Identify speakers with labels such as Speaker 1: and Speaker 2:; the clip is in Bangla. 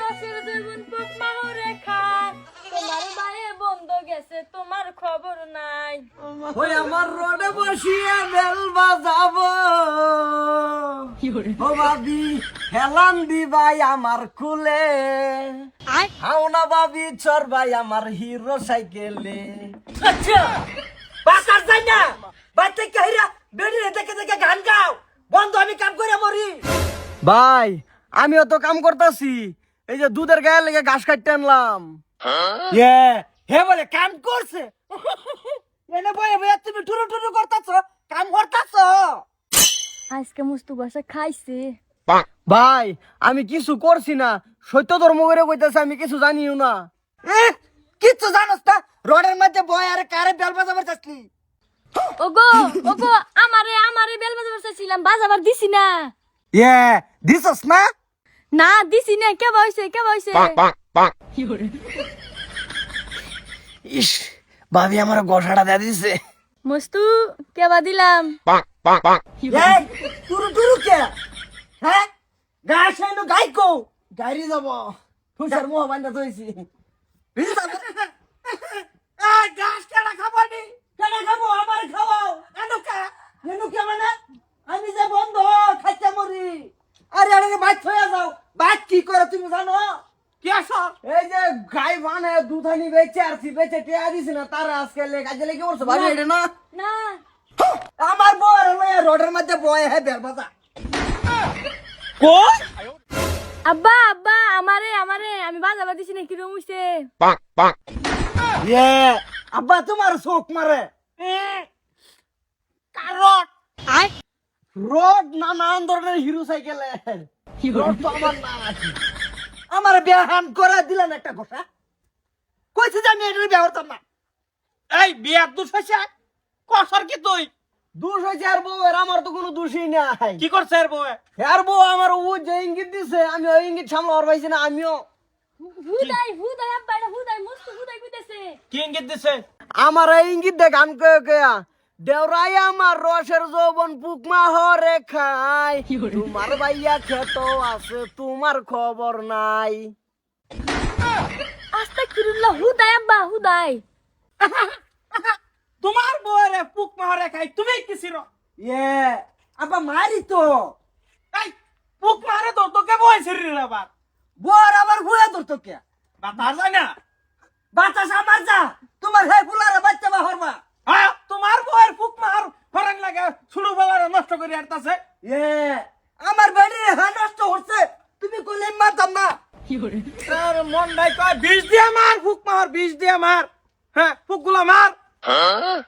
Speaker 1: রসের জীবন পোক মাহরে খায়, তোমার ভাইয়ে বন্ধ গেছে তোমার খবর নাই।
Speaker 2: ওই আমার রোডে বসিয়ে বেল বাজাবো, ও ভাবি হেলান দিবাই আমার কুলে, হাও না ভাবি চর ভাই আমার হিরো সাইকেলে। আচ্ছা বাসার যাই না, বাচ্চা কাহিরা বেড়ি দেখে দেখে গান গাও, বন্ধ আমি কাম করে মরি। ভাই আমিও তো কাম করতেছি, এই যে দুধের গায়ে লেগে ঘাস কাটতে আনলাম। হে বলে কাম করছে, এনে বয়ে বয়ে তুমি টুরু টুরু করতেছ, কাম করতেছ।
Speaker 1: আজকে মুস্তু বাসা খাইছে।
Speaker 2: ভাই আমি কিছু করছি না, সত্য ধর্ম করে কইতেছে, আমি কিছু জানিও না। কিচ্ছু জানোস না, রোডের মধ্যে বয় আরে কারে বেল বাজাবার চাচ্ছি।
Speaker 1: ওগো ওগো আমারে আমারে বেল বাজাবার চাইছিলাম, বাজাবার দিছি না।
Speaker 2: দিছস না?
Speaker 1: না দিছি না, কে বইছে কে বইছে?
Speaker 2: ইস ভাবি আমার গোসাটা দিয়ে দিছে।
Speaker 1: মুস্তু কেবা দিলাম।
Speaker 2: টুরু টুরু কে? হ্যাঁ গাছ এনো গাইকো গাড়ি যাব, তুষার মোহ বান্ধা ধইছি। গাছ কেডা খাবানি, কেডা খাবো, আমার খাওয়াও। এনুকা মানে আমি যে বন্ধ খাইতে মরি। আরে আরে বাইক হয়ে যাও, বাইক কি করে তুমি জানো? কি আসো এই যে গাই বানে দুধানি বেচে আরছি, বেচে টিয়া দিছি না, তার আজকে কাজে লেগে পড়ছে ভাবি। এটা না
Speaker 1: না
Speaker 2: আমার বউয়ের লইয়া রোডের মধ্যে বয়ে হে বেল বাজা। কই
Speaker 1: আব্বা আব্বা আমারে আমারে আমি বাজাবার দিছি না, কি রকম হইছে?
Speaker 2: আব্বা তোমার চোখ মারে। কারণ রোড নানান ধরনের হিরো সাইকেলের, রোড তো আমার না আছে। আমার বিয়াহান করে দিলেন একটা কথা, কইছি যে আমি এটার বিয়া করতাম না।
Speaker 3: এই বিয়ার দোষ হয়েছে কসর কি তুই
Speaker 2: দোষ হয়েছে আর বউয়ের, আমার তো কোনো দোষই নাই।
Speaker 3: কি করছে এর বউ?
Speaker 2: আর বউ আমার ও যে ইঙ্গিত দিছে, আমি ওই ইঙ্গিত সামলাবার পাইছি না। আমিও
Speaker 1: হুদাই হুদাই আব্বা এটা হুদাই মুস্তু হুদাই কইতেছে।
Speaker 3: কি ইঙ্গিত দিছে?
Speaker 2: আমার এই ইঙ্গিত দেখ গান কয়ে কয়া, দেওরাই আমার রসের যৌবন পুকমা হরে খাই, তোমার ভাইয়া খেত আছে তোমার খবর নাই।
Speaker 1: আস্তাগফিরুল্লাহ হুদাই আব্বা হুদাই।
Speaker 3: তোমার বউরে পুক মারে খাই তুমি কিছির?
Speaker 2: আব্বা মারি তো,
Speaker 3: এই পুক মারে তো তোকে বয়সের রে বাবা।
Speaker 2: বর আবার ভুয়া ধরতো কে?
Speaker 3: বাতার যায় না?
Speaker 2: বাতাস আমার যা, তোমার হে ফুলারে বাচ্চা বা হরবা।
Speaker 3: হ্যাঁ তোমার বউয়ের পুক মার ফরান লাগে শুরু বেলারে নষ্ট করে আরতাছে।
Speaker 2: আমার বাড়ি হ্যাঁ নষ্ট হচ্ছে, তুমি কইলে মারতাম না।
Speaker 3: আর মন নাই কয় বিষ দিয়ে মার, পুক মার বিষ দিয়ে মার। হ্যাঁ পুক গুলা মার।